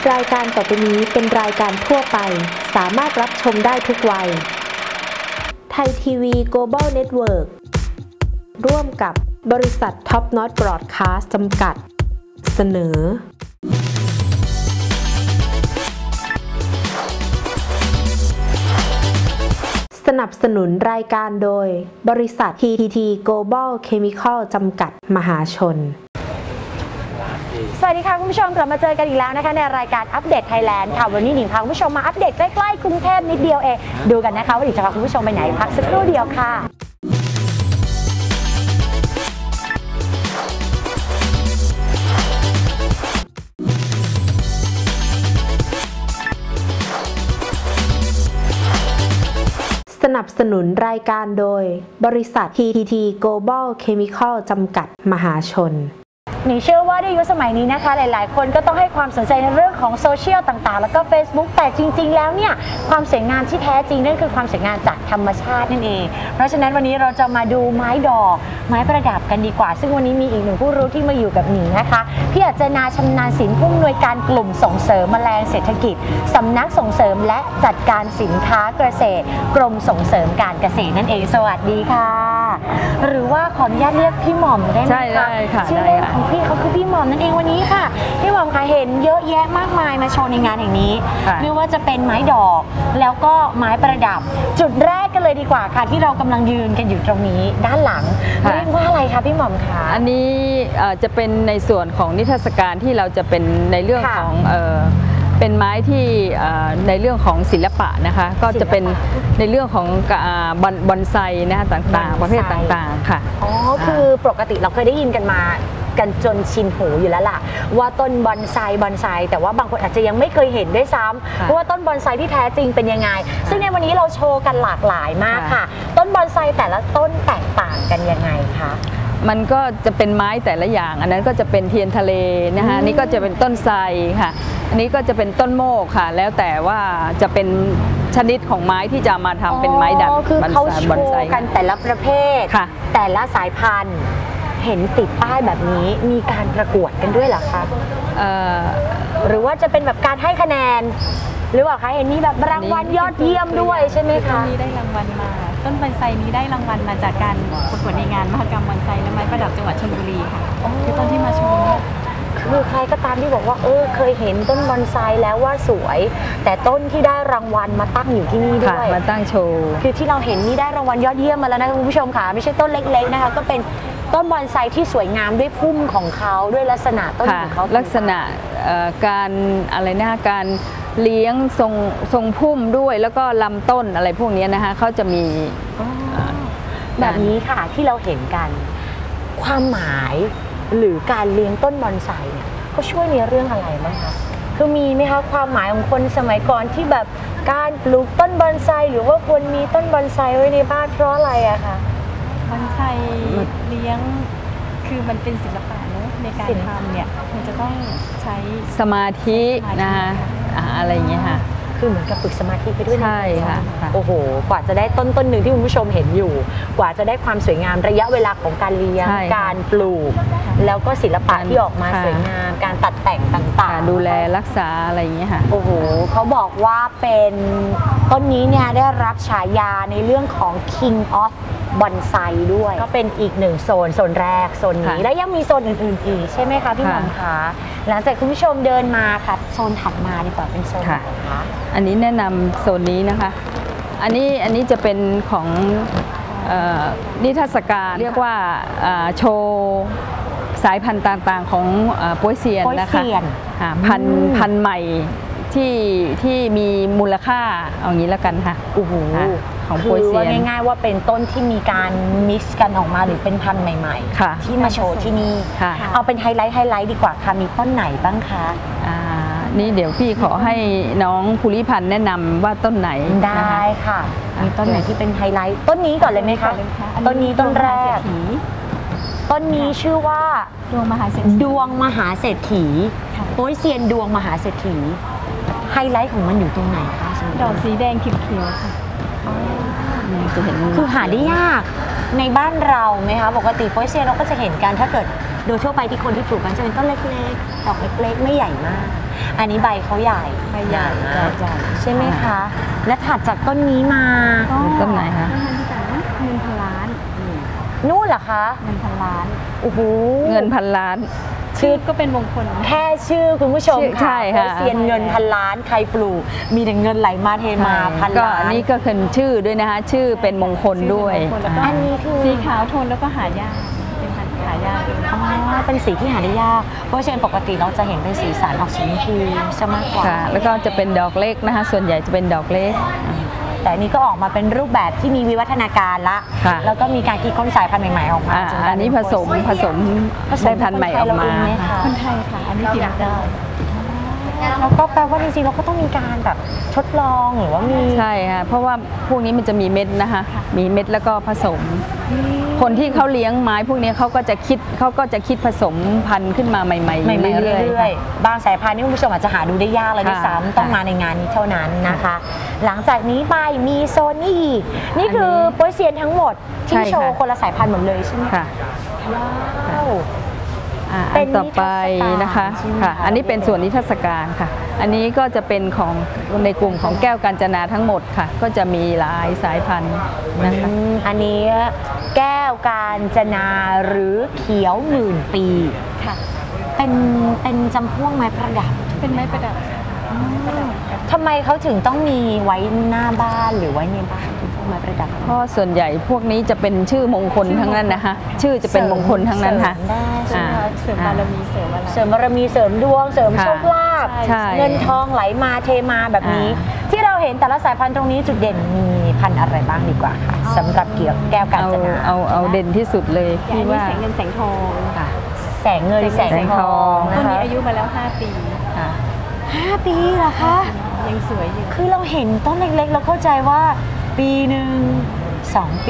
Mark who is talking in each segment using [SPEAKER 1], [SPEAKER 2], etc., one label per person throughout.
[SPEAKER 1] รายการต่อไปนี้เป็นรายการทั่วไปสามารถรับชมได้ทุกวัยไทยทีวี Global Network ร่วมกับบริษัท Top Notch Broadcast จำกัดเสนอสนับสนุนรายการโดยบริษัท TTT Global Chemical จำกัดมหาชน
[SPEAKER 2] สวัสดีค่ะคุณผู้ชมกลับมาเจอกันอีกแล้วนะคะในรายการอัปเดตไทยแลนด์ค่ะวันนี้หนิงพาคุณผู้ชมมาอัปเดตใกล้ๆกรุงเทพนิดเดียวเองดูกันนะคะว่าหนิงจะพาคุณผู้ชมไปไหนพักสักครู่เดียวค่ะ
[SPEAKER 1] สนับสนุนรายการโดยบริษัท TTT Global Chemical จำกัดมหาชน
[SPEAKER 2] หนิงเชื่อว่าในยุคสมัยนี้นะคะหลายๆคนก็ต้องให้ความสนใจในเรื่องของโซเชียลต่างๆแล้วก็ Facebook แต่จริงๆแล้วเนี่ยความสวยงามที่แท้จริงนั่นคือความสวยงามจากธรรมชาตินั่นเองเพราะฉะนั้นวันนี้เราจะมาดูไม้ดอกไม้ประดับกันดีกว่าซึ่งวันนี้มีอีกหนึ่งผู้รู้ที่มาอยู่กับหนิงนะคะพี่อัจนาชำนาญศิลป์ผู้อำนวยการกลุ่มส่งเสริมแมลงเศรษฐกิจสำนักส่งเสริมและจัดการสินค้าเกษตรกรมส่งเสริมการเกษตรนั่นเองสวัสดีค่ะหรือว่าขออนุญาตเรียกพี่หม่อมได้ไหมคะ
[SPEAKER 3] ใช่ได้ค่ะ
[SPEAKER 2] ชื่อเล่นของพี่เขาคือพี่หม่อมนั่นเองวันนี้ค่ะพี่หม่อมค่ะเห็นเยอะแยะมากมายมาโชว์ในงานแห่งนี้ไม่ว่าจะเป็นไม้ดอกแล้วก็ไม้ประดับจุดแรกกันเลยดีกว่าค่ะที่เรากำลังยืนกันอยู่ตรงนี้ด้านหลังเรียกว่าอะไรคะพี่หม่อมคะ
[SPEAKER 3] อันนี้จะเป็นในส่วนของนิทรรศการที่เราจะเป็นในเรื่องของเป็นไม้ที่ในเรื่องของศิลปะนะคะก็จะเป็นในเรื่องของบอนไซนะคะต่างๆประเภทต่างๆค่ะ
[SPEAKER 2] อ๋อคือปกติเราเคยได้ยินกันมากันจนชินหูอยู่แล้วล่ะว่าต้นบอนไซแต่ว่าบางคนอาจจะยังไม่เคยเห็นด้วยซ้ำว่าต้นบอนไซที่แท้จริงเป็นยังไงซึ่งในวันนี้เราโชว์กันหลากหลายมากค่ะต้นบอนไซแต่ละต้นแตกต่างกันยังไงคะ
[SPEAKER 3] มันก็จะเป็นไม้แต่ละอย่างอันนั้นก็จะเป็นเทียนทะเลนะคะนี่ก็จะเป็นต้นไทรค่ะอันนี้ก็จะเป็นต้นโมกค่ะแล้วแต่ว่าจะเป็นชนิดของไม้ที่จะมาทำเป็นไม้ดัด
[SPEAKER 2] คือเขาโชว์กันแต่ละประเภทแต่ละสายพันธุ์เห็นติดป้ายแบบนี้มีการประกวดกันด้วยเหรอคะหรือว่าจะเป็นแบบการให้คะแนนหรือว่าคะเห็นมีแบบรางวัลยอดเยี่ยมด้วยใช่ไหมคะ
[SPEAKER 4] ต้นนี้ได้รางวัลมาต้นบอนไซนี้ได้รางวัลมาจากการประกวดในงานมหกรรมบอนไซและไม้ประดับจังหวัดชลบุรีค่ะคือต้นที่มาโชว์
[SPEAKER 2] คือใครก็ตามที่บอกว่าเคยเห็นต้นบอนไซแล้วว่าสวยแต่ต้นที่ได้รางวัลมาตั้งอยู่ที่นี่ด้วย
[SPEAKER 3] มาตั้งโชว์
[SPEAKER 2] คือที่เราเห็นนี่ได้รางวัลยอดเยี่ยมมาแล้วนะคุณผู้ชมค่ะไม่ใช่ต้นเล็กๆนะคะก็เป็นต้นบอนไซที่สวยงามด้วยพุ่มของเขาด้วยลักษณะต้นของเขา
[SPEAKER 3] ลักษณะการอะไรนะการเลี้ยงทรงพุ่มด้วยแล้วก็ลำต้นอะไรพวกนี้นะคะเขาจะมี
[SPEAKER 2] แบบนี้ค่ะที่เราเห็นกันความหมายหรือการเลี้ยงต้นบอนไซเนี่ยเขาช่วยในเรื่องอะไรบ้างคะคือมีไหมคะความหมายของคนสมัยก่อนที่แบบการปลูกต้นบอนไซหรือว่าควรมีต้นบอนไซไว้ในบ้านเพราะอะไรอะคะ
[SPEAKER 4] บอนไซเลี้ยงคือมันเป็นศิลปะเนอะในการทำเนี่ยมันจะต้องใช้
[SPEAKER 3] สมาธินะคะอะไรอย่างเงี้ยค่ะ
[SPEAKER 2] คือเหมือนกับฝึกสมาธิไปด้วย
[SPEAKER 3] ใช่ค่ะ
[SPEAKER 2] โอ้โหกว่าจะได้ต้นหนึ่งที่คุณผู้ชมเห็นอยู่กว่าจะได้ความสวยงามระยะเวลาของการเลี้ยงการปลูกแล้วก็ศิลปะที่ออกมาสวยงามการตัดแต่งต่าง
[SPEAKER 3] ๆดูแลรักษาอะไรอย่างเงี้ยค่ะ
[SPEAKER 2] โอ้โหเขาบอกว่าเป็นต้นนี้เนี่ยได้รับฉายาในเรื่องของ King of บอนไซด้วยก็เป็นอีกหนึ่งโซนแรกโซนนี้แล้วยังมีโซนอื่นๆอีกใช่ไหมคะพี่หม่อมคะหลังจากคุณผู้ชมเดินมาค่ะโซนถัดมาดีกว่าเป็นโซนไหนคะ
[SPEAKER 3] อันนี้แนะนำโซนนี้นะคะอันนี้จะเป็นของนิทรรศการเรียกว่าโชว์สายพันธุ์ต่างๆของโป๊ยเซียนนะคะพันธุ์ใหม่ที่มีมูลค่าเอางี้แล้วกันค่ะ
[SPEAKER 2] โอ้โห
[SPEAKER 3] ของโป๊ยเซียน
[SPEAKER 2] ง่ายๆว่าเป็นต้นที่มีการมิกซ์กันออกมาหรือเป็นพันธุ์ใหม่ๆที่มาโชว์ที่นี่เอาเป็นไฮไลท์ดีกว่าค่ะมีต้นไหนบ้างคะ
[SPEAKER 3] นี่เดี๋ยวพี่ขอให้น้องภูริพันธ์แนะนำว่าต้นไหน
[SPEAKER 2] ได้ค่ะมีต้นไหนที่เป็นไฮไลท์ต้นนี้ก่อนเลยไหมคะต้นนี้ต้นแรกต้นนี้ชื่อว่า
[SPEAKER 4] ดวงมหาเศรษฐี
[SPEAKER 2] โป๊ยเซียนดวงมหาเศรษฐีไฮไลท์ของมันอยู่ตรงไหนคะ
[SPEAKER 4] ดอกสีแดงเขียวๆค่ะ
[SPEAKER 2] จะเห็นคือหาได้ยากในบ้านเราไหมคะปกติโป๊ยเซียนเราก็จะเห็นกันถ้าเกิดโดยทั่วไปที่คนที่ปลูกกันจะเป็นต้นเล็กๆดอกเล็กๆไม่ใหญ่มากอันนี้ใบเขาใหญ่
[SPEAKER 4] ใบใหญ่
[SPEAKER 2] หนาใช่ไหมคะ และถัดจากต้นนี้มา
[SPEAKER 3] ต้นไหนคะ
[SPEAKER 4] ต้นนั้นที่แต่นะเงินพันล้าน
[SPEAKER 2] นู่นเหรอคะ
[SPEAKER 4] เงินพันล้าน
[SPEAKER 2] โอ้โห
[SPEAKER 3] เงินพันล้าน
[SPEAKER 4] ชื่อก็เป็นมงคล
[SPEAKER 2] แค่ชื่อคุณผู้ชม
[SPEAKER 3] ใช่ค่ะ
[SPEAKER 2] เซียนเงินพันล้านใครปลูกมีแต่เงินไหลมาเทมาพัน
[SPEAKER 3] ก็
[SPEAKER 2] ล้าน
[SPEAKER 3] อันนี้ก็คือชื่อด้วยนะคะ ชื่อเป็นมงคลด้วย
[SPEAKER 4] ชื่อเป็นมงคลแล้วก็
[SPEAKER 2] อันนี้คือ
[SPEAKER 4] สีขาวโทนแล้วก็หายากเป็นพันธุ์หายากด้วย
[SPEAKER 2] อ๋อเป็นสีที่หาได้ยากเพราะเช่นปกติเราจะเห็นเป็นสีสันออกสีชมพูซะมากกว่า
[SPEAKER 3] ค่ะ แล้วก็จะเป็นดอกเล็กนะคะ ส่วนใหญ่จะเป็นดอกเล็ก
[SPEAKER 2] แต่อันนี้ก็ออกมาเป็นรูปแบบที่มีวิวัฒนาการละ
[SPEAKER 3] ค่ะ
[SPEAKER 2] แล้วก็มีการคิดค้นสายพันธุ์ใหม่ๆออกมาจกลาย
[SPEAKER 3] อันนี้ผสม
[SPEAKER 2] เป็น
[SPEAKER 3] ได้พันธุ์ใหม่ออกมา
[SPEAKER 4] คนไทยค่ะ อันนี้ติดได้
[SPEAKER 2] แล้วก็แปลว่าจริงๆเราก็ต้องมีการแบบทดลองหรือว่ามี
[SPEAKER 3] ใช่ค่ะ เพราะว่าพวกนี้มันจะมีเม็ดนะคะ มีเม็ดแล้วก็ผสม คนที่เขาเลี้ยงไม้พวกนี้เขาก็จะคิดผสมพันธุ์ขึ้นมาใหม่ๆ
[SPEAKER 2] ใหม่ๆ
[SPEAKER 3] เรื่
[SPEAKER 2] เรื่
[SPEAKER 3] อ
[SPEAKER 2] อย ยๆบางสายพันธุ์นี่คุณผู้ชมอาจจะหาดูได้ยากเลยด้วย
[SPEAKER 3] ค่ะ
[SPEAKER 2] ซ้ำต้องมาในงานนี้เท่านั้นนะคะ หลังจากนี้ไปมีโซนนี้อีกนี่คือโป๊ยเซียนทั้งหมดที่
[SPEAKER 3] ใช่ค่ะ
[SPEAKER 2] โชว์คนละสายพันธุ์หมดเลยใช่ไหม
[SPEAKER 3] ค่ะ
[SPEAKER 2] ว้าว
[SPEAKER 3] อันต่อไปนะคะ
[SPEAKER 2] เป็นนิทรรศการใช่ไหม
[SPEAKER 3] ค่ะ
[SPEAKER 2] คะ
[SPEAKER 3] อันนี้เป็นส่วนนิทรรศการค่ะ อันนี้ก็จะเป็นของในกลุ่มของแก้วกาญจนาทั้งหมดค่ะ ก็จะมีหลายสายพันธุ์นะคะ
[SPEAKER 2] อันนี้แก้วกาญจนาหรือเขียวหมื่นปี
[SPEAKER 4] ค่ะ
[SPEAKER 2] เป็นจำพวกไม้ประดับ
[SPEAKER 4] เป็นไม้ประดับ
[SPEAKER 2] ทำไมเขาถึงต้องมีไว้หน้าบ้านหรือไว้ในบ้านเป็นพวกไม้ประดับ
[SPEAKER 3] เพราะส่วนใหญ่พวกนี้จะเป็นชื่อมงคลทั้งนั้นนะคะ ชื่อจะเป็นมงคลทั้งนั้นค่ะ
[SPEAKER 2] เสริมได้ใช่ไหมคะ
[SPEAKER 4] เสริมบารมีเสริมอะไร
[SPEAKER 2] เสริมบารมีเสริมดวงเสริม
[SPEAKER 3] ค่ะ
[SPEAKER 2] โชคลาภ
[SPEAKER 3] ใช่
[SPEAKER 2] เงินทองไหลมาเทมาแบบนี้ ที่เราเห็นแต่ละสายพันธุ์ตรงนี้จุดเด่นมีพันธุ์อะไรบ้างดีกว่าค่ะสำหรับเกี่ยวแก้วกาญจนา
[SPEAKER 3] เอาเด่นที่สุดเลย
[SPEAKER 4] อย่าง
[SPEAKER 3] ที่
[SPEAKER 4] อันนี้
[SPEAKER 3] ว่า
[SPEAKER 4] แสงเงินแสงทอง
[SPEAKER 3] ค่ะ
[SPEAKER 2] แสงเงินแสงทอง
[SPEAKER 4] ต้
[SPEAKER 2] นะ
[SPEAKER 4] นนี้
[SPEAKER 2] คะ
[SPEAKER 4] อายุมาแล้ว 5 ปี
[SPEAKER 3] ค่ะ
[SPEAKER 2] 5 ปีเหรอคะ
[SPEAKER 4] ยังสวยอยู่
[SPEAKER 2] คือเราเห็นต้นเล็กๆ เราเข้าใจว่าปีหนึ่ง2 ปี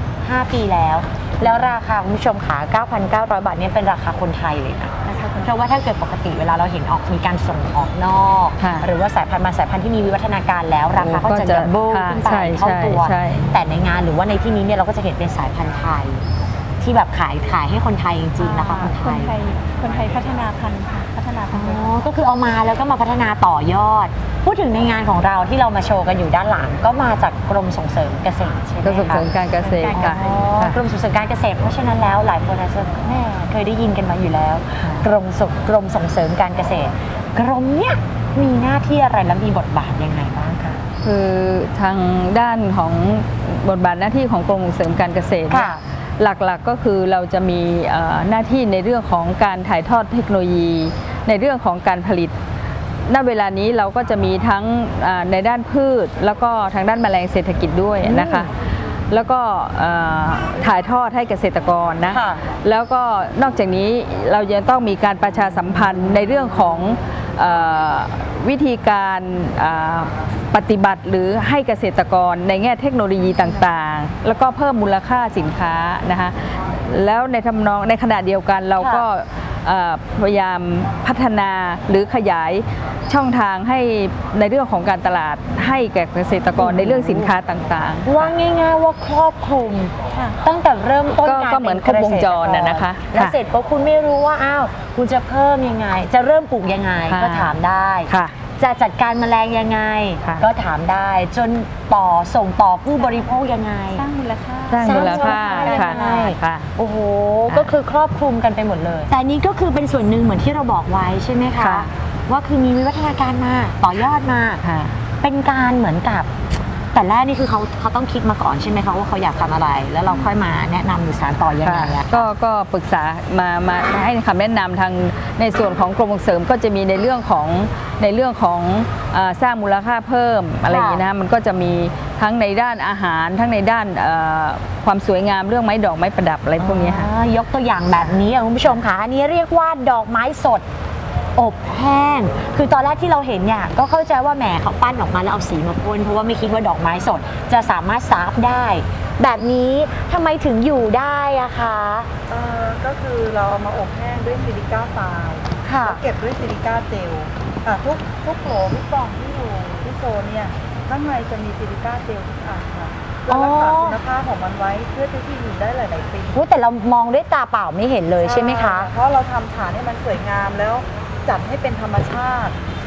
[SPEAKER 2] 5 ปีแล้ว แล้วราคาคุณผู้ชมขา 9,900 บาทเนี่ยเป็นราคาคนไทยเลยนะเพราะว่าถ้าเกิดปกติเวลาเราเห็นออกมีการส่งออกนอก
[SPEAKER 3] ค่ะ
[SPEAKER 2] หรือว่าสายพันธุ์บางสายพันธุ์ที่มีวิวัฒนาการแล้ว ราคาก็จะ
[SPEAKER 3] ก็จะ
[SPEAKER 2] ดับเบิล
[SPEAKER 3] ค่ะ
[SPEAKER 2] ขึ้นไป
[SPEAKER 3] ใช่
[SPEAKER 2] เท่าตัว
[SPEAKER 3] ใช่
[SPEAKER 2] แต่ในงานหรือว่าในที่นี้เนี่ยเราก็จะเห็นเป็นสายพันธุ์ไทย ที่แบบขายให้คนไทยจริงๆนะคะคนไทย
[SPEAKER 4] คนไทยพัฒนาพันธุ์ค่ะพัฒนาพันธุ์
[SPEAKER 2] อ๋อก็คือเอามาแล้วก็มาพัฒนาต่อยอด พูดถึงในงานของเราที่เรามาโชว์กันอยู่ด้านหลัง ก็มาจากกรมส่งเสริมเกษตรใช่ไหม
[SPEAKER 3] ก็ส่ง
[SPEAKER 2] คะ
[SPEAKER 3] เสริมการเกษตรค่ะ
[SPEAKER 2] อ๋อ
[SPEAKER 3] ค่ะ
[SPEAKER 2] กรมส่งเสริมการเกษตรเพราะฉะนั้นแล้วหลายคนอาจจะแม่เคยได้ยินกันมาอยู่แล้ว กรมส่งเสริมการเกษตร กรมเนี่ยมีหน้าที่อะไรและมีบทบาทยังไงบ้างคะ
[SPEAKER 3] คือทางด้านของบทบาทหน้าที่ของกรมส่งเสริมการเกษตรเนี่ย
[SPEAKER 2] ค่ะ
[SPEAKER 3] หลักๆก็คือเราจะมีหน้าที่ในเรื่องของการถ่ายทอดเทคโนโลยี ในเรื่องของการผลิต ณ เวลานี้เราก็จะมีทั้งในด้านพืช แล้วก็ทางด้านแมลงเศรษฐกิจด้วยนะคะ แล้วก็ถ่ายทอดให้เกษตรกรนะ
[SPEAKER 2] ค่ะ
[SPEAKER 3] แล้วก็นอกจากนี้เรายังต้องมีการประชาสัมพันธ์ในเรื่องของวิธีการปฏิบัติหรือให้เกษตรกรในแง่เทคโนโลยีต่างๆ แล้วก็เพิ่มมูลค่าสินค้านะคะแล้วในทำนองในขณะเดียวกันเราก็พยายามพัฒนาหรือขยายช่องทางให้ในเรื่องของการตลาดให้แก่เกษตรกรในเรื่องสินค้าต่างๆ
[SPEAKER 2] ว่าง่ายๆว่าครอบคลุม
[SPEAKER 4] ค่ะ
[SPEAKER 2] ตั้งแต่เริ่มต้น
[SPEAKER 3] ก็
[SPEAKER 2] การ
[SPEAKER 3] ก็เหมือนครบวงจรน่ะนะคะ
[SPEAKER 2] แล้ว
[SPEAKER 3] ค่ะ
[SPEAKER 2] เสร็จปุ๊บคุณไม่รู้ว่าอ้าวคุณจะเพิ่มยังไง จะเริ่มปลูกยังไง
[SPEAKER 3] ค่ะ
[SPEAKER 2] ก็ถามได้
[SPEAKER 3] ค่ะ
[SPEAKER 2] จะจัดการแมลงยังไง
[SPEAKER 3] ค่ะ
[SPEAKER 2] ก็ถามได้จนส่งต่อผู้บริโภคยังไง
[SPEAKER 4] สร้างมูลค่า
[SPEAKER 3] สร้างมูลค่า
[SPEAKER 2] สร้างมูลค่า
[SPEAKER 3] ค่ะ
[SPEAKER 2] ยังไง
[SPEAKER 3] ค่ะ
[SPEAKER 2] โอ้โห
[SPEAKER 3] ค่ะ
[SPEAKER 2] ก็คือครอบคลุมกันไปหมดเลย แต่นี้ก็คือเป็นส่วนหนึ่งเหมือนที่เราบอกไว้ใช่ไหมคะ
[SPEAKER 3] ค่ะ
[SPEAKER 2] ว่าคือมีวิวัฒนาการมาต่อยอดมา
[SPEAKER 3] ค่ะ
[SPEAKER 2] เป็นการเหมือนกับ แต่แรกนี่คือเขาต้องคิดมาก่อนใช่ไหมคะว่าเขาอยากทำอะไร แล้วเราค่อยมาแนะนำหรือสานต่อยังไงอะ
[SPEAKER 3] ก็ปรึกษามาให้คำแนะนำทางในส่วนของกรมส่งเสริมก็จะมีในเรื่องของสร้างมูลค่าเพิ่มอะไรอย่างนี้นะมันก็จะมีทั้งในด้านอาหารทั้งในด้านความสวยงามเรื่องไม้ดอกไม้ประดับอะไรพวกนี้ค่ะ
[SPEAKER 2] ยกตัวอย่างแบบนี้คุณผู้ชมค่ะอันนี้เรียกว่าดอกไม้สดอบแห้ง คือตอนแรกที่เราเห็นเนี่ยก็เข้าใจว่าแหมเขาปั้นออกมาแล้วเอาสีมาพ่นเพราะว่าไม่คิดว่าดอกไม้สดจะสามารถซาฟได้ แบบนี้ทำไมถึงอยู่ได้อะคะ
[SPEAKER 5] ก็คือเราเอามาอบแห้งด้วยซิลิก้าไฟล์
[SPEAKER 2] ค่ะ
[SPEAKER 5] แล้วเก็บด้วยซิลิก้าเจลทุกโหลทุกกล่องที่อยู่ที่โซนเนี่ยข้างในจะมีซิลิก้าเจลทุกอันค่ะเพื่อรักษาคุณภาพของมันไว้เพื่อที่อยู่ได้หลายๆปี
[SPEAKER 2] แต่เรามองด้วยตาเปล่าไม่เห็นเลยใช่ไหมคะ
[SPEAKER 5] เพราะเราทำฐานให้มันสวยงามแล้วจัดให้เป็นธรรมชาติ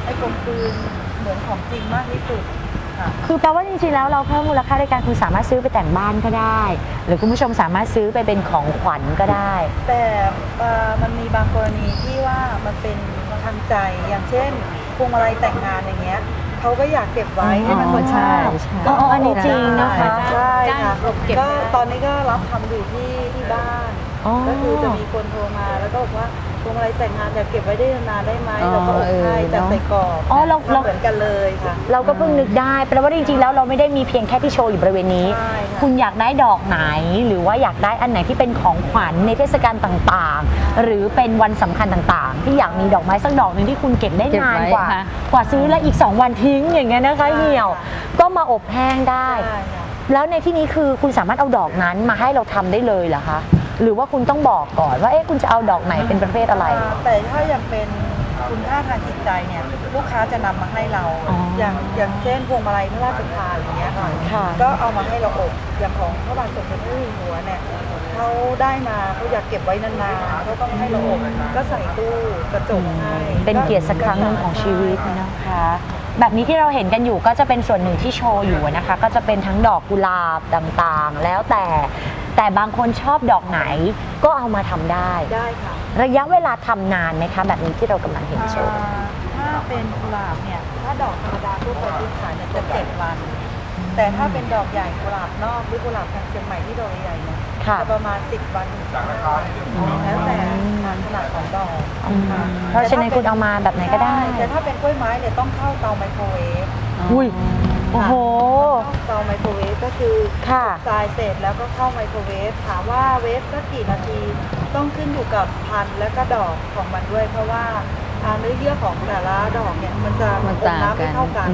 [SPEAKER 5] ให้กลมกลืนเหมือนของจริงมากที่สุดค่ะ
[SPEAKER 2] คือแปลว่าจริงๆแล้วเราเพิ่มมูลค่าในการคุณสามารถซื้อไปแต่งบ้านก็ได้ หรือคุณผู้ชมสามารถซื้อไปเป็นของขวัญก็ได้
[SPEAKER 5] แต่มันมีบางกรณีที่ว่ามันเป็นทางใจอย่างเช่นพวงมาลัยแต่งงานอย่างเงี้ยเขาก็อยากเก็บไว้ให้มันสวย
[SPEAKER 3] ใช่
[SPEAKER 2] ใช่อ๋ออันนี้จริงนะคะ
[SPEAKER 5] ใช่ค่ะ
[SPEAKER 4] เก็บ
[SPEAKER 5] ก็
[SPEAKER 4] ไว้
[SPEAKER 5] ตอนนี้ก็รับทำอยู่ที่บ้าน
[SPEAKER 2] อ๋อ
[SPEAKER 5] ก็คือจะมีคนโทรมาแล้วก็บอกว่าพวงมาลัยแต่งงานอยากเก็บไว้ได้นานๆได้ไหมเราก็อบให้จัดใส่กรอบ
[SPEAKER 2] อ๋อเรา
[SPEAKER 5] เหมือนกันเลยค่ะ
[SPEAKER 2] เราก็เพิ่งนึกได้แปลว่าจริงๆแล้วเราไม่ได้มีเพียงแค่ที่โชว์อยู่บริเวณนี้
[SPEAKER 5] ใช่ค่ะ
[SPEAKER 2] คุณอยากได้ดอกไหนหรือว่าอยากได้อันไหนที่เป็นของขวัญในเทศกาลต่างๆ หรือเป็นวันสำคัญต่างๆ ที่อยากมีดอกไม้สักดอกหนึ่งที่คุณเก็บได้นานกว่า
[SPEAKER 3] เก็บไว้ค่ะ
[SPEAKER 2] กว่าซื้อแล้วอีก 2 วันทิ้งอย่างเงี้ยนะคะเหี่ยวก็มาอบแห้งได้
[SPEAKER 5] ใช่ค่ะ
[SPEAKER 2] แล้วในที่นี้คือคุณสามารถเอาดอกนั้นมาให้เราทำได้เลยเหรอคะหรือว่าคุณต้องบอกก่อนว่าเอ๊ะคุณจะเอาดอกไหนเป็นประเภทอะไร
[SPEAKER 5] แต่ถ้ายังเป็นคุณค่าทางจิตใจเนี่ยลูกค้าจะนำมาให้เรา
[SPEAKER 2] อ๋ออ
[SPEAKER 5] อย่างเช่นพวงมาลัยพระราชทานอย่างเงี้ยค่ะ
[SPEAKER 2] ค่ะ
[SPEAKER 5] ก็เอามาให้เราอบอย่างของพระบาทสมเด็จพระเจ้าอยู่หัวเนี่ยเขาได้มาเขาอยากเก็บไว้นานๆเขาต้องให้เราอบก็ใส่ตู้กระจกให้
[SPEAKER 2] เป็นเกียรติสักครั้งหนึ่งของชีวิตนะคะ แบบนี้ที่เราเห็นกันอยู่ก็จะเป็นส่วนหนึ่งที่โชว์อยู่นะคะ ก็จะเป็นทั้งดอกกุหลาบต่างๆ แล้วแต่บางคนชอบดอกไหนก็เอามาทำได้
[SPEAKER 5] ได้ค่ะ
[SPEAKER 2] ระยะเวลาทำนานไหมคะแบบนี้ที่เรากำลังเห็นโชว์
[SPEAKER 5] ถ้าเป็นกุหลาบเนี่ยถ้าดอกธรรมดาทั่วไปที่ขายเนี่ยจะ7 วัน แต่ถ้าเป็นดอกใหญ่กุหลาบนอกหรือกุหลาบทางเชียงใหม่ที่ดอกใหญ่เนี่ย
[SPEAKER 2] ค่ะ
[SPEAKER 5] จะประมาณ10 วันถึง15 วันแล้วแต่ขนาดของดอกค่ะ
[SPEAKER 2] เพราะฉะนั้นคุณเอามาแบบไหนก็ได้
[SPEAKER 5] ใช่แต่ถ้าเป็นกล้วยไม้เนี่ยต้องเข้าเตาไมโครเวฟ
[SPEAKER 2] อุ้ยโอ้โห
[SPEAKER 5] เตาไมโครเวฟก็คือ
[SPEAKER 2] ค่ะ
[SPEAKER 5] ทรายเสร็จแล้วก็เข้าไมโครเวฟถามว่าเวฟสักกี่นาทีต้องขึ้นอยู่กับพันธุ์และก็ดอกของมันด้วย เพราะว่าเนื้อเยื่อของแต่ละดอกเนี่ยมันจะ
[SPEAKER 3] มัน
[SPEAKER 5] อม
[SPEAKER 3] ต่าง
[SPEAKER 5] น้ำ
[SPEAKER 3] กั
[SPEAKER 5] ไม่
[SPEAKER 3] น
[SPEAKER 5] เท่ากัน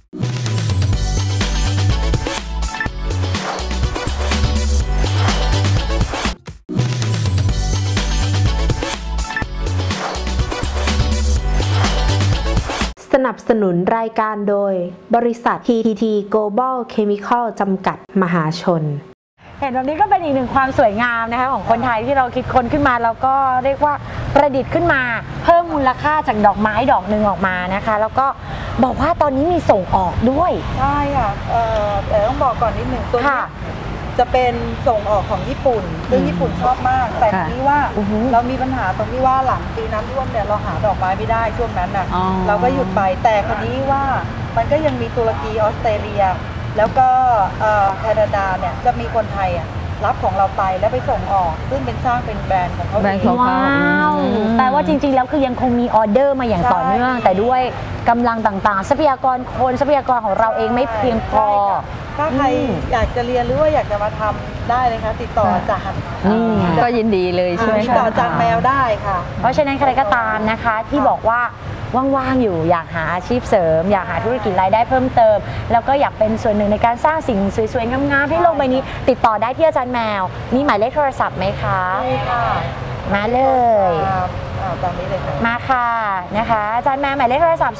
[SPEAKER 1] สนับสนุนรายการโดยบริษัท TTT Global Chemical จำกัดมหาชน
[SPEAKER 2] เห็นแบบนี้ก็เป็นอีกหนึ่งความสวยงามนะคะของคนไทยที่เราคิดค้นขึ้นมาแล้วก็เรียกว่าประดิษฐ์ขึ้นมาเพิ่มมูลค่าจากดอกไม้ดอกหนึ่งออกมานะคะ แล้วก็บอกว่าตอนนี้มีส่งออกด้วย
[SPEAKER 5] ใช่ค่ะแต่ต้องบอกก่อนนิดหนึ่งตัวนี้
[SPEAKER 2] ค่ะ
[SPEAKER 5] จะเป็นส่งออกของญี่ปุ่น ซึ่งญี่ปุ่นชอบมาก แต่
[SPEAKER 3] ค่ะ
[SPEAKER 5] ทีนี้ว่า
[SPEAKER 2] อือฮึ
[SPEAKER 5] เรามีปัญหาตรงที่ว่าหลังปีน้ำท่วมเนี่ยเราหาดอกไม้ไม่ได้ช่วงนั้นน่ะ
[SPEAKER 3] อ๋อ
[SPEAKER 5] เราก็หยุดไปแต่คราวนี้ว่ามันก็ยังมีตุรกีออสเตรเลีย แล้วก็แคนาดาเนี่ยจะมีคนไทยอ่ะรับของเราไปแล้วไปส่งออก ซึ่งเป็นสร้างเป็นแบรนด์ของเขา
[SPEAKER 3] แบรนด์ของ
[SPEAKER 2] ว้าวแปลว่าจริงๆแล้วคือยังคงมีออเดอร์มาอย่างต่อเนื่อง
[SPEAKER 5] ใช่
[SPEAKER 2] แต่ด้วยกำลังต่างๆ ทรัพยากรคนทรัพยากรของเราเองไม่เพียงพอ
[SPEAKER 5] ใช่ค่ะถ้าใครอยากจะเรียนหรือว่าอยากจะมาทำได้เลยค่ะติดต่ออาจารย์
[SPEAKER 2] นี่ไง
[SPEAKER 3] ก็ยินดีเลยใช่ไหม
[SPEAKER 5] ติด
[SPEAKER 3] คะ
[SPEAKER 5] ต่ออาจารย์แมวได้ค่ะ
[SPEAKER 2] เพราะฉะนั้นใครก็ตามนะคะที่บอกว่าว่างๆอยู่อยากหาอาชีพเสริม อยากหาธุรกิจรายได้เพิ่มเติม แล้วก็อยากเป็นส่วนหนึ่งในการสร้างสิ่งสวยๆงามๆให้โลกใบนี้ ติดต่อได้ที่อาจารย์แมวมีหมายเลขโทรศัพท์ไหมคะ
[SPEAKER 5] ใช่ค่ะ
[SPEAKER 2] มาเลย
[SPEAKER 5] ตามนี้เลยค่ะ
[SPEAKER 2] มาค่ะนะคะอาจารย์แมวหมายเลขโทรศัพท์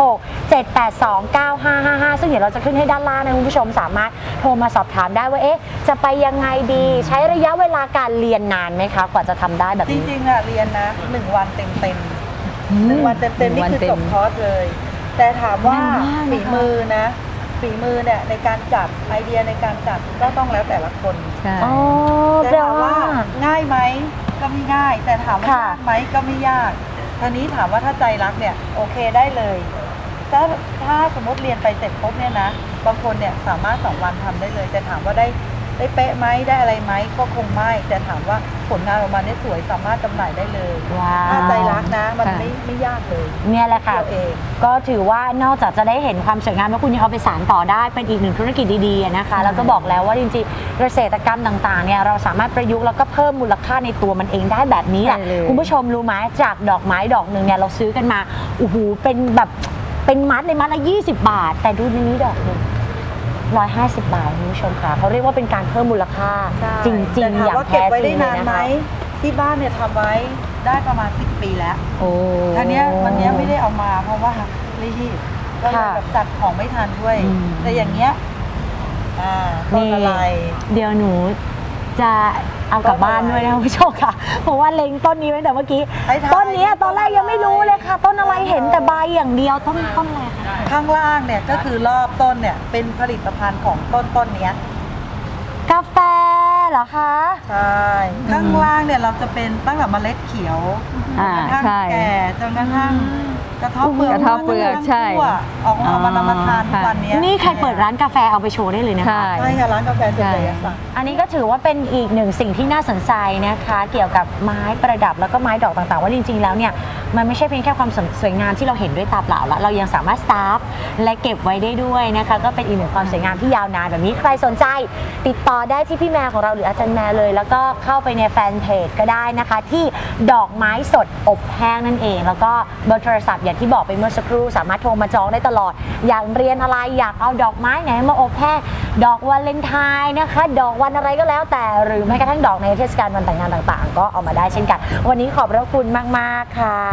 [SPEAKER 2] 0867829555 ซึ่งเดี๋ยวเราจะขึ้นให้ด้านล่างนะคุณผู้ชมสามารถโทรมาสอบถามได้ว่าเอ๊ะจะไปยังไงดีใช้ระยะเวลาการเรียนนานไหมคะกว่าจะทำได้แบบ
[SPEAKER 5] จ
[SPEAKER 2] นี้
[SPEAKER 5] ริงๆอะเรียนนะ1 วันเต็ม1 วันเต็มๆนี่คือจบคอร์สเลย แต่ถามว่าฝีมือนะฝีมือเนี่ยในการจัดไอเดียในการจัดก็ต้องแล้วแต่ละคน
[SPEAKER 3] ใช่
[SPEAKER 2] อ๋อ
[SPEAKER 5] แต่
[SPEAKER 2] แปล
[SPEAKER 5] ถาม
[SPEAKER 2] ว่า
[SPEAKER 5] ว่าง่ายไหมก็ไม่ง่าย แต่ถามว่า
[SPEAKER 2] ค่ะ
[SPEAKER 5] ยากไหมก็ไม่ยากทีนี้ถามว่าถ้าใจรักเนี่ยโอเคได้เลยถ้าสมมติเรียนไปเสร็จปุ๊บเนี่ยนะบางคนเนี่ยสามารถ2 วันทำได้เลย แต่ถามว่าได้เป๊ะไหมได้อะไรไหมก็คงไม่แต่ถามว่าผลงานออกมาเนี่ยสวยสามารถจำหน่ายได้เลย
[SPEAKER 2] ว้าว
[SPEAKER 5] ถ้าใจรักนะมัน
[SPEAKER 3] ค่ะ
[SPEAKER 5] ไม่ยากเลย
[SPEAKER 2] เนี่ยแหละค่ะ
[SPEAKER 5] เราเอง
[SPEAKER 2] ก็ถือว่านอกจากจะได้เห็นความสวยงามแล้วคุณยังเอาไปสานต่อได้เป็นอีกหนึ่งธุรกิจดีๆนะคะ แล้วก็บอกแล้วว่าจริงๆเกษตรกรรมต่างๆเนี่ยเราสามารถประยุกต์แล้วก็เพิ่มมูลค่าในตัวมันเองได้แบบนี้แหละ
[SPEAKER 3] ใช่เลย
[SPEAKER 2] คุณผู้ชมรู้ไหมจากดอกไม้ดอกหนึ่งเนี่ยเราซื้อกันมาโอ้โหเป็นแบบเป็นมัดเลยมัดละ20 บาท แต่ดูในนี้ดอกหนึ่ง150 บาทคุณผู้ชมค่ะเขาเรียกว่าเป็นการเพิ่มมูลค่า
[SPEAKER 5] ใช่
[SPEAKER 2] จริง
[SPEAKER 5] แต่
[SPEAKER 2] ๆ
[SPEAKER 5] ถาม
[SPEAKER 2] อย่าง
[SPEAKER 5] ว่า
[SPEAKER 2] แท้
[SPEAKER 5] เก็บไว้
[SPEAKER 2] จริ
[SPEAKER 5] ได้
[SPEAKER 2] งเลย
[SPEAKER 5] นาน
[SPEAKER 2] นะ
[SPEAKER 5] ไหม
[SPEAKER 2] คะ
[SPEAKER 5] ที่บ้านเนี่ยทำไว้ได้ประมาณ10 ปีแล้ว
[SPEAKER 3] โอ้
[SPEAKER 5] ทีเนี้ยวันเนี้ยไม่ได้เอามาเพราะว่ารีบก็เลย
[SPEAKER 2] ค่ะ
[SPEAKER 5] แบบจัดของไม่ทันด้วย
[SPEAKER 3] อืม
[SPEAKER 5] แต่อย่างเงี้ยต้นอะไร
[SPEAKER 2] เดี๋ยวหนูจะเอากลับบ้านด้วยนะคุณผู้ชมค่ะเพราะว่าเล็งต้นนี้ไว้แต่เมื่อกี้ต้นนี้ตอนแรกยังไม่รู้เลยค่ะต้นอะไรเห็นแต่ใบอย่างเดียวต้นอะไรคะ
[SPEAKER 5] ข้างล่างเนี่ยก็คือรอบต้นเนี่ยเป็นผลิตภัณฑ์ของต้นเนี้ย
[SPEAKER 2] กาแฟเหรอคะ
[SPEAKER 5] ใช่ข้างล่างเนี่ยเราจะเป็นตั้งแต่เมล็ดเขียวจนกระทั่งแก่จนกระทั่งกระเทาะเปลือก
[SPEAKER 3] ใช่
[SPEAKER 5] ออกมานำมาทานวันนี้
[SPEAKER 2] นี่ใครเปิดร้านกาแฟเอาไปโชว์ได้เลยนะคะ
[SPEAKER 5] ใช่ค่ะร้านกาแฟเสรีสัก
[SPEAKER 2] อันนี้ก็ถือว่าเป็นอีกหนึ่งสิ่งที่น่าสนใจนะคะเกี่ยวกับไม้ประดับแล้วก็ไม้ดอกต่างๆว่าจริงๆแล้วเนี่ยมันไม่ใช่เพียงแค่ความสวยงามที่เราเห็นด้วยตาเปล่าแล้วเรายังสามารถสตาร์ฟและเก็บไว้ได้ด้วยนะคะก็เป็นอีกหนึ่งความสวยงามที่ยาวนานแบบนี้ใครสนใจติดต่อได้ที่พี่แมวของเราหรืออาจารย์แมวเลยแล้วก็เข้าไปในแฟนเพจก็ได้นะคะที่ดอกไม้สดอบแห้งนั่นเองแล้วก็เบอร์โทรศัพท์อย่างที่บอกไปเมื่อสักครู่สามารถโทรมาจองได้ตลอดอยากเรียนอะไรอยากเอาดอกไม้ไหนมาอบแห้งดอกวาเลนไทน์นะคะดอกวันอะไรก็แล้วแต่หรือแม้กระทั่งดอกในเทศกาลวันแต่งงานต่างๆก็เอามาได้เช่นกันวันนี้ขอบพระคุณมากๆค่ะ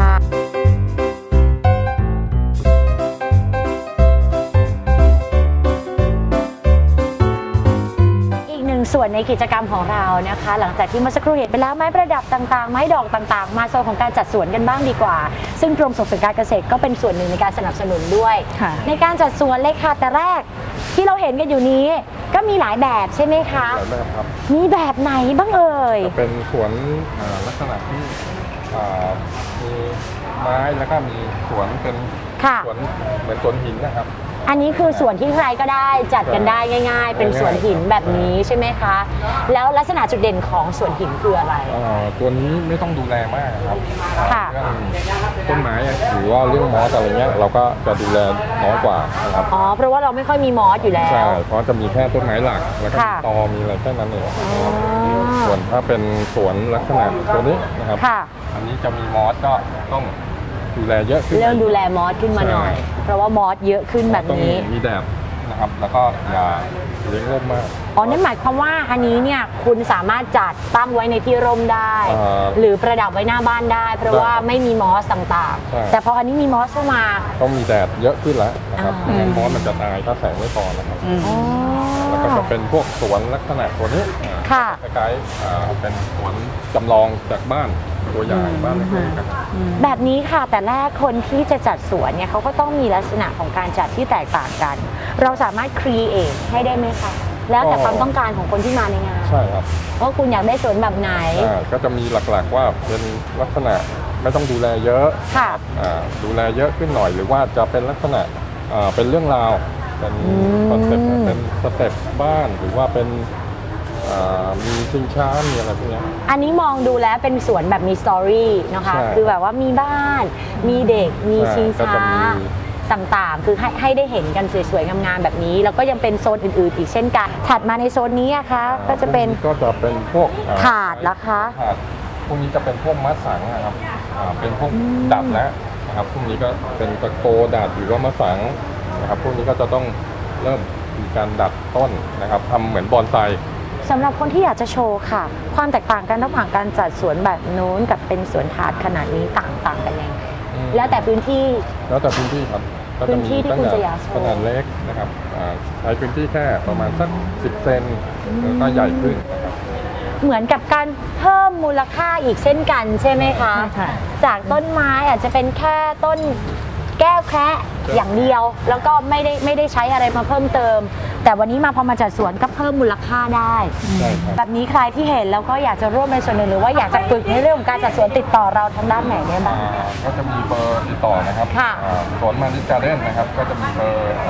[SPEAKER 2] ส่วนในกิจกรรมของเรานะคะหลังจากที่เมื่อสักครู่เห็นไปแล้วไม้ประดับต่างๆไม้ดอกต่างๆมาโซนของการจัดสวนกันบ้างดีกว่าซึ่งกรมส่งเสริมการเกษตรก็เป็นส่วนหนึ่งในการสนับสนุนด้วยในการจัดสวนเลยค่ะแต่แรกที่เราเห็นกันอยู่นี้ก็มีหลายแบบใช่ไหมคะ
[SPEAKER 6] หลายแบบครับ
[SPEAKER 2] มีแบบไหนบ้างเอ่ย
[SPEAKER 6] เป็นสวนลักษณะที่มีไม้แล้วก็มีสวนเป็นสวนเหมือนสวนหินนะครับ
[SPEAKER 2] อันนี้คือสวนที่ใครก็ได้จัดกันได้ง่ายๆเป็นสวนหินแบบนี้ใช่ไหมคะแล้วลักษณะจุดเด่นของสวนหินคืออะไร
[SPEAKER 6] ตัวนี้ไม่ต้องดูแลมากครับ
[SPEAKER 2] ค่ะ
[SPEAKER 6] ต้นไม้หรือว่าเรื่องมอสอะไรเงี้ยเราก็จะดูแลน้อยกว่านะครับ
[SPEAKER 2] อ๋อเพราะว่าเราไม่ค่อยมีมอสอยู่แล้ว
[SPEAKER 6] ใช่เพราะจะมีแค่ต้นไม้หลักแล้วก็ตอมีอะไรแค่นั้นเองส่วนถ้าเป็นสวนลักษณะตัวนี้นะครับอันนี้จะมีมอสก็ต้องดูแลเยอะขึ้น
[SPEAKER 2] เรื่องดูแลมอสขึ้นมาหน่อยเพราะว่ามอสเยอะขึ้นแบบนี้
[SPEAKER 6] มีแดดนะครับแล้วก็อย่าเลี้ยงร่มมาก
[SPEAKER 2] นั่นหมายความว่าอันนี้เนี่ยคุณสามารถจัดตั้งไว้ในที่ร่มได้หรือประดับไว้หน้าบ้านได้เพราะว่าไม่มีมอสต่างๆแต่พออันนี้มีมอสเข้ามา
[SPEAKER 6] ต้องมีแดดเยอะขึ้นแล้วนะครับมอสมันจะตายถ้าแสงไม่พอนะครับแล้วก็จะเป็นพวกสวนลักษณะตัวนี้คล้ายๆเป็นสวนจำลองจากบ้านตัวอย่างบ้านเล็กๆ
[SPEAKER 2] แบบนี้ค่ะแต่แรกคนที่จะจัดสวนเนี่ยเขาก็ต้องมีลักษณะของการจัดที่แตกต่างกันเราสามารถครีเอทให้ได้ไหมคะแล้วแต่ความต้องการของคนที่มาในงาน
[SPEAKER 6] ใช่ครับ
[SPEAKER 2] ว่าคุณอยากได้สวนแบบไหน
[SPEAKER 6] ก็จะมีหลักๆว่าเป็นลักษณะไม่ต้องดูแลเยอะ
[SPEAKER 2] ค่ะ
[SPEAKER 6] ดูแลเยอะขึ้นหน่อยหรือว่าจะเป็นลักษณะเป็นเรื่องราวเป็นคอนเซ็ปต์เป็นสเต็ปบ้านหรือว่าเป็นมีชิงช้ามีอะไรพวกนี้
[SPEAKER 2] อันนี้มองดูแล้วเป็นสวนแบบมีสตอรี่นะคะคือแบบว่ามีบ้านมีเด็กมีชิงช้าต่างๆคือให้ได้เห็นกันสวยๆงามๆแบบนี้แล้วก็ยังเป็นโซนอื่นๆอีกเช่นกันถัดมาในโซนนี้นะคะก็จะเป็น
[SPEAKER 6] พวก
[SPEAKER 2] ถาดละคะ
[SPEAKER 6] ถาดพวกนี้จะเป็นพวกมัดสังนะครับเป็นพวกดัดแล้วนะครับพวกนี้ก็เป็นตะโกดัดหรือว่ามัดสังนะครับพวกนี้ก็จะต้องเริ่มมีการดัดต้นนะครับทำเหมือนบอนไซ
[SPEAKER 2] สำหรับคนที่อยากจะโชว์ค่ะความแตกต่างกันระหว่างการจัดสวนแบบโน้นกับเป็นสวนถาดขนาดนี้ต่างกันยังไงแล้วแต่พื้นที่
[SPEAKER 6] ครับ
[SPEAKER 2] พื้นที่ที่คุณจะอยากโชว์
[SPEAKER 6] ขนาดเล็กนะครับใช้พื้นที่แค่ประมาณสัก10 เซนแล้วก็ใหญ่ขึ้นนะครับ
[SPEAKER 2] เหมือนกับการเพิ่มมูลค่าอีกเช่นกันใช่ไหมคะจากต้นไม้อาจจะเป็นแค่ต้นแก้วแคระอย่างเดียวแล้วก็ไม่ได้ใช้อะไรมาเพิ่มเติมแต่วันนี้มาพอมาจัดสวนก็เพิ่มมูลค่าได้แบบนี้ใครที่เห็นแล้วก็อยากจะร่วมในส่วนหนึ่งหรือว่าอยากจะฝึกในเรื่องของการจัดสวนติดต่อเราทางด้านไหนได้บ้าง
[SPEAKER 6] ก็จะมีเบอร์ติดต่อนะครับสวนมานิการ์เด้นนะครับก็จะมีเบอร์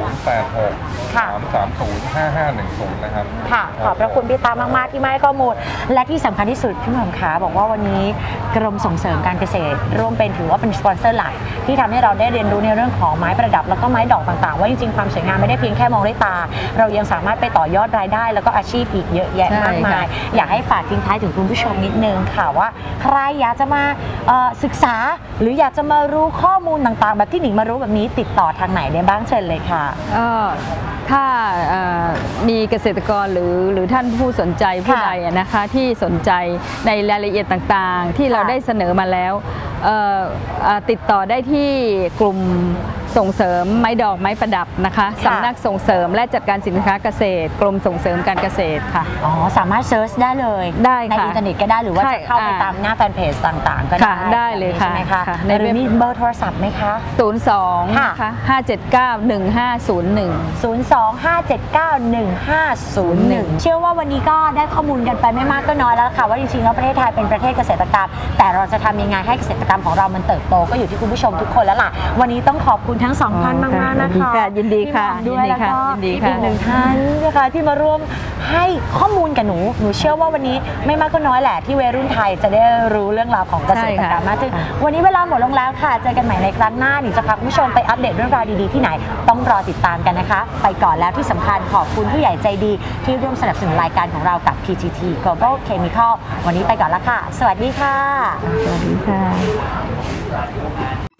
[SPEAKER 6] 086-330-5510นะครับ
[SPEAKER 2] ค่ะขอบพระคุณพี่ตามากๆที่มาให้ข้อมูลและที่สำคัญที่สุดพี่หม่อมขาบอกว่าวันนี้กรมส่งเสริมการเกษตรร่วมเป็นถือว่าเป็นสปอนเซอร์หลักที่ทำให้เราได้เรียนรู้ในเรื่องของไม้ประดับแล้วก็ไม้ดอกต่างๆว่าจริงๆความสวยงามไม่ได้เพียงแค่มองด้วยตาเรายังสามารถไปต่อยอดรายได้แล้วก็อาชีพอีกเยอะแยะมากมายอยากให้ฝากทิ้งท้ายถึงคุณผู้ชมนิดนึงค่ะว่าใครอยากจะมาศึกษาหรืออยากจะมารู้ข้อมูลต่างๆแบบที่หนิงมารู้แบบนี้ติดต่อทางไหนได้บ้างเชิญเลยค่ะ
[SPEAKER 3] ถ้ามีเกษตรกรหรือท่านผู้สนใจผู้ใดนะคะที่สนใจในรายละเอียดต่างๆที่เราได้เสนอมาแล้วติดต่อได้ที่กลุ่มส่งเสริมไม้ดอกไม้ประดับนะคะสำนักส่งเสริมและจัดการสินค้าเกษตรกรมส่งเสริมการเกษตรค่ะ
[SPEAKER 2] อ๋อสามารถเซิร์ชได้เลย
[SPEAKER 3] ได้
[SPEAKER 2] ในอินเทอร์เน็ตก็ได้หรือว่าจะเข้าไปตามหน้าแฟนเพจต่างๆก็ได้
[SPEAKER 3] ได้เลยค่ะ
[SPEAKER 2] ใช่ไหมคะในเรื่องนี้เบอร์โทรศัพท์ไหมคะ
[SPEAKER 3] 02ค่ะ5791501
[SPEAKER 2] 02-579-1501 เชื่อว่าวันนี้ก็ได้ข้อมูลกันไปไม่มากก็น้อยแล้วค่ะว่าจริงๆแล้วประเทศไทยเป็นประเทศเกษตรกรรมแต่เราจะทำยังไงให้เกษตรกรรมของเรามันเติบโตก็อยู่ที่คุณผู้ชมทุกคนแล้วล่ะวันนี้ต้องขอบคุณทั้ง2ท่านมากๆนะคะ
[SPEAKER 3] ยินดีค่ะ
[SPEAKER 2] ด้วยแล้วก็อีก1ท่านนะคะที่มาร่วมให้ข้อมูลกับหนูเชื่อว่าวันนี้ไม่มากก็น้อยแหละที่วัยรุ่นไทยจะได้รู้เรื่องราวของเกษตรกรรมมากขึ้นวันนี้เวลาหมดลงแล้วค่ะเจอกันใหม่ในครั้งหน้าหนิจะพาคุณผู้ชมไปอัปเดตเรื่องราวดีๆที่ไหนต้องรอติดตามกันนะคะไปก่อนแล้วที่สำคัญขอบคุณผู้ใหญ่ใจดีที่ร่วมสนับสนุนรายการของเรากับ PTT Global Chemical วันนี้ไปก่อนแล้วค่ะสวัสดีค่ะ
[SPEAKER 3] สวัสดีค่ะ